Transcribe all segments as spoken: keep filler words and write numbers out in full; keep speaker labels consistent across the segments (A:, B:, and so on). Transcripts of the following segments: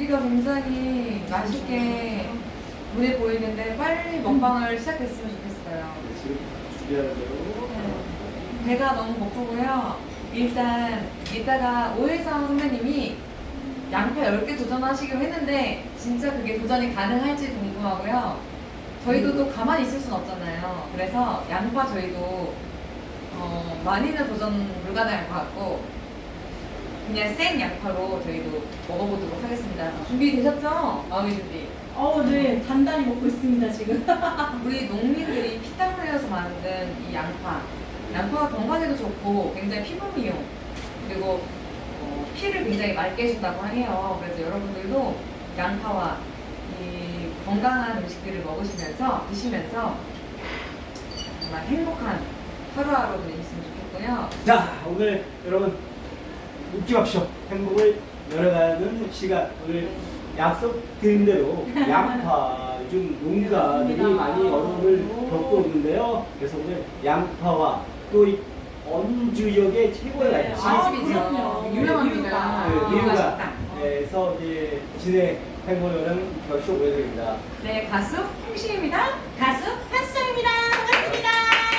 A: 고기가 굉장히 맛있게 눈에 보이는데 빨리 먹방을 시작했으면 좋겠어요.
B: 지금 준비하는 대로.
A: 네. 배가 너무 고프고요. 일단 이따가 오해성 선배님이 양파 열 개 도전하시기로 했는데 진짜 그게 도전이 가능할지 궁금하고요. 저희도 또 가만히 있을 순 없잖아요. 그래서 양파 저희도 어, 많이는 도전 불가능할 것 같고 그냥 생 양파로 저희도 먹어보도록 하겠습니다. 준비되셨죠? 마음의 준비.
C: 어, 네. 단단히 먹고 있습니다, 지금.
A: 우리 농민들이 피땀 흘려서 만든 이 양파. 양파가 건강에도 좋고 굉장히 피부 미용 그리고 어, 피를 굉장히 맑게 해준다고 해요. 그래서 여러분들도 양파와 이 건강한 음식들을 먹으시면서 드시면서 정말 행복한 하루하루 보내셨으면 좋겠고요.
B: 자, 오늘 여러분 웃기 박쇼 행복을 열어가는 시간. 오늘 약속드린 대로 양파 요즘 농가들이
C: 맞습니다.
B: 많이 어려움을
C: 오.
B: 겪고 있는데요. 그래서 오늘 양파와 또 이 언주역의 최고의
C: 네.
B: 날씨
C: 아,
A: 맛집이죠.
C: 그럼요.
A: 유명합니다.
B: 네,
A: 아,
B: 미우가
A: 맛있다.
B: 에서 이제 진행 행보하는 격쇼 보여드립니다.
A: 네, 가수 홍시입니다.
C: 가수 한수정입니다. 반갑습니다.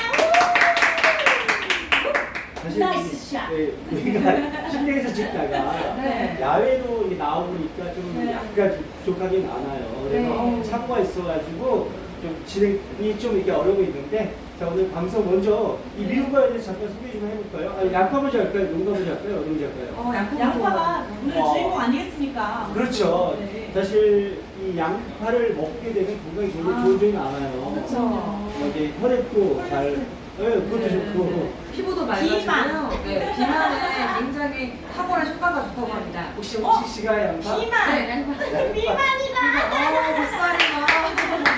B: 사실
C: 나이스
B: 이-
C: 샷.
B: 네, 우리가 실내에서 찍다가
A: 네.
B: 야외로 이렇게 나오니까 좀
C: 네.
B: 약간 좀 부족하긴 많아요. 그래서
A: 네.
B: 착오가 있어가지고 좀 진행이 좀 이렇게 어려움이 있는데, 자, 오늘 방송 먼저 이
C: 네.
B: 미국과에 대해서 잠깐 소개 좀 해볼까요? 아니, 양파 먼저 할까요? 농가 먼저 할까요? 어느 먼저 할까요?
A: 어, 양파
C: 양파가 오늘
B: 어.
C: 주인공 아니겠습니까?
B: 그렇죠.
C: 네.
B: 사실 이 양파를 먹게 되면 건강에 굉장히
C: 아.
B: 좋은 점이 많아요.
C: 그렇죠.
B: 어, 이제 혈액도 잘, 네, 그것도
A: 네,
B: 좋고.
A: 네. 피부도
C: 비만.
A: 맑아지고요. 네, 비만에 굉장히 탁월한 효과가 좋다고 합니다.
B: 혹시
C: 어?
B: 혹시 씨가 양파?
C: 비만.
A: 네, 양파.
C: 비만이다.
A: 어, 뱃살이요.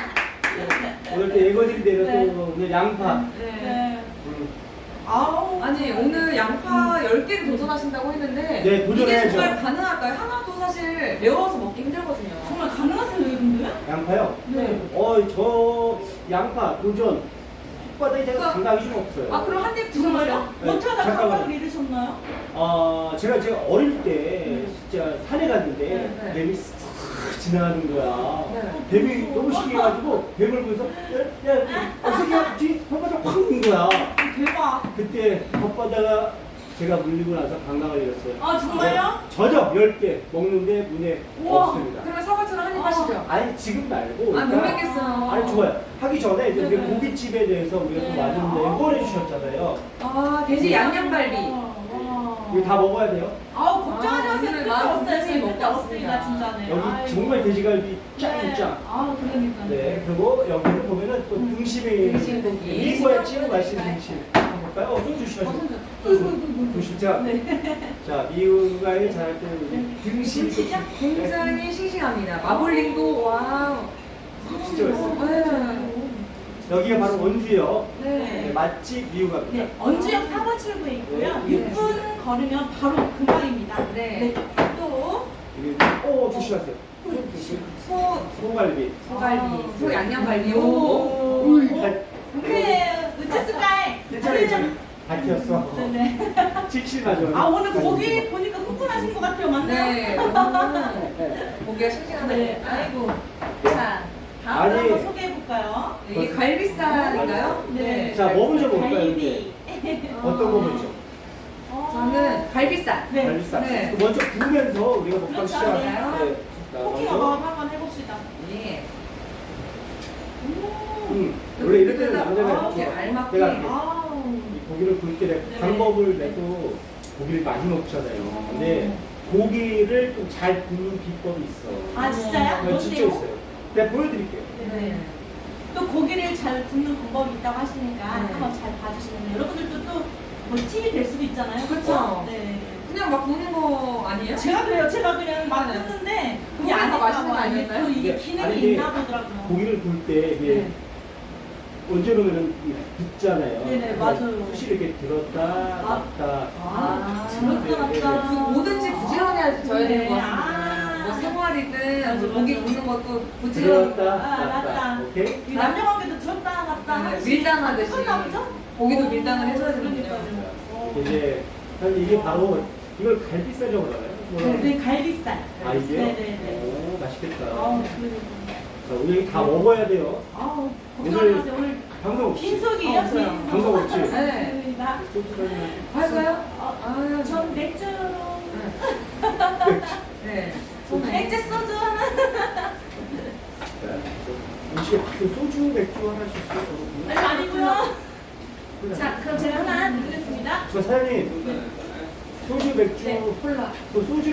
B: 오늘 또 예고드린 대로
C: 네.
B: 또 오늘 양파.
A: 네.
C: 네.
B: 음,
C: 아우.
A: 아니 오늘 양파 열 개를 도전하신다고 했는데
B: 네, 도전해야죠.
A: 이게 정말 가능할까요? 하나도 사실 매워서 먹기 힘들거든요.
C: 정말 가능하세요, 여러분들?
B: 양파요?
A: 네.
B: 어, 저 양파 도전 혓바닥에 제가
A: 그-
B: 감각이 좀 없어요.
A: 아 그럼 한 입 드셔보세요.
C: 정말요?
B: 네,
C: 어쩌다
B: 잠깐만요.
C: 감각을 잃으셨나요?
B: 어, 제가 제가 어릴 때 진짜 산에 갔는데
A: 네, 네.
B: 뱀이 싹 지나가는 거야.
A: 네.
B: 뱀이 너무 신기해가지고 뱀을 보면서 야, 야, 어떻게 하지? 혓바닥 확 문 거야.
C: 대박.
B: 그때 혓바닥 제가 물리고 나서 감각을 잃었어요.
C: 아, 정말요?
B: 저죠 열 개 먹는데 문에
C: 우와.
B: 없습니다.
A: 그러면 사과처럼 한 입
C: 아.
A: 하시죠.
B: 아니 지금 말고.
A: 아, 못
B: 그러니까
A: 먹겠어요.
B: 아니 좋아요. 하기 전에 이제 우리
C: 네네.
B: 고깃집에 대해서 우리가 또
C: 네.
B: 많은
C: 아.
B: 내보내 주셨잖아요.
A: 아 돼지 양념갈비.
C: 와.
B: 이거 다 먹어야 돼요.
C: 아우, 걱정하지
A: 아,
C: 마세요.
A: 오늘
C: 끝도
A: 마음
C: 없어요.
A: 굉장히
C: 지금
A: 먹고
C: 끝도 없으니까,
A: 왔습니다.
C: 진짜네.
B: 여기
C: 아이고.
B: 정말 돼지갈비
C: 네.
B: 짱짱.
C: 아, 그러니까.
B: 네. 그리고 여기는 보면은 또
C: 음.
B: 등심이
A: 등심 고기.
B: 미국의 찐 맛있는 등심. 한번 볼까요? 어, 손 조심하세요. 조심. 제가
C: 네.
B: 자 미국에 잘할 때
C: 네.
B: 등심.
C: 등심이요?
A: 굉장히 싱싱합니다. 마블링도 와우.
B: 진짜 맛있어요.
A: 네.
B: 여기가 바로 원주역.
A: 네.
B: 네, 맛집 미국갑니다.
C: 네, 언주역 사 번 출구에 있고요.
B: 네.
C: 육 분 걸으면 바로 근방입니다.
A: 네.
C: 또
B: 그리고 오 조심하세요.
A: 소
B: 소갈비.
A: 소갈비,
C: 아,
A: 소 양념갈비.
C: 오.
A: 오.
B: 음,
C: 오.
B: 잘-
C: 그래, 으츠스카이.
B: 괜찮아 괜찮아. 다 튀었어.
C: 네네.
B: 칠칠하죠.
C: 아, 오늘 고기 보니까 흥분하신 것 같아요, 맞나요?
A: 네. 오늘 고기가 싱싱하네.
C: 네, 아이고. 자, 다음
B: 아니.
C: 한번 소개해볼까요?
A: 이게 갈비살인가요?
C: 네.
B: 자, 뭐 먼저 볼까요?
C: 갈비.
B: 어떤 거 먼저?
C: 어.
A: 저는 갈비살.
C: 네.
B: 갈비살.
A: 네.
B: 먼저 구우면서 우리가 먹방
C: 그렇죠.
B: 시작할까요? 네. 자,
C: 포킹
B: 먼저.
C: 어바웃 한번 해봅시다.
A: 예.
C: 오.
B: 음, 원래 이럴 때는
A: 아,
B: 남자가
A: 이렇게
B: 이렇게
A: 알맞게.
B: 내가 이렇게
C: 아우.
B: 이 고기를 구울 때
C: 네.
B: 방법을 내도 고기를 많이 먹잖아요. 근데 고기를 좀 잘 굽는 비법이 있어.
C: 아, 진짜요?
B: 네, 진짜
C: 뭔데요?
B: 있어요. 내가 보여드릴게요.
A: 네.
C: 또 고기를 잘 굽는 방법이 있다고 하시니까
A: 네.
C: 한번 잘 봐주시면 여러분들도 또 뭐 팁이 될 수도 있잖아요.
A: 그쵸.
C: 네.
A: 그냥 막 구는 거 아니에요?
C: 제가 그래요. 제가 그냥 막
A: 네.
C: 굽는데 그게
A: 그거보다
C: 아닐까
A: 맛있는 거
C: 봐. 이게
A: 아닐까요?
C: 또 이게
B: 네. 아니,
C: 기능이
B: 이게
C: 있나 보더라고요.
B: 고기를 구울 때 이게
A: 네.
B: 언제 놓으면 붙잖아요.
C: 네네, 맞아요.
B: 푸시 이렇게 들었다
C: 아.
B: 놨다.
C: 아,
A: 아,
C: 들었다
B: 네,
C: 놨다.
A: 그 뭐든지 부지런해야 져야 되는 것
C: 네.
A: 같습니다.
C: 아.
A: 뭐 생활이든
C: 맞아,
A: 뭐 고기
C: 맞아.
A: 굽는 것도 부지런.
B: 들었다
C: 아,
B: 놨다.
C: 놨다.
B: 오케이?
C: 이 남녀 관계도 들었다 놨다
A: 네,
C: 하듯이
A: 밀당하듯이.
C: 똑같나 보죠?
A: 고기도
C: 오,
A: 밀당을 해줘야 되는군요.
C: 그러니까요. 어.
B: 이제 사실 이게 바로 이걸 갈비살이라고 그러나요?
A: 네.
C: 네, 갈비살.
B: 아, 이게요?
C: 네네네.
B: 오, 맛있겠다.
C: 아우,
B: 자, 우리 다 먹어야 돼요.
C: 아우, 걱정하지 마세요. 오늘
B: 방송 없이.
C: 빈속이에요,
A: 없어요.
C: 빈속.
B: 방송 없이.
A: 네.
C: 맞습니다.
B: 소주잔.
A: 할까요?
C: 어,
A: 아유,
C: 전 맥주.
A: 네. 소맥.
C: 맥주 소주 하나.
B: 음식에 그 소주 맥주 하나씩 있어요.
C: 아니, 아니고요. 자, 그럼 제가 하나 드리겠습니다.
B: 저 사장님, 소주 맥주,
C: 네.
A: 콜라.
B: 그 소주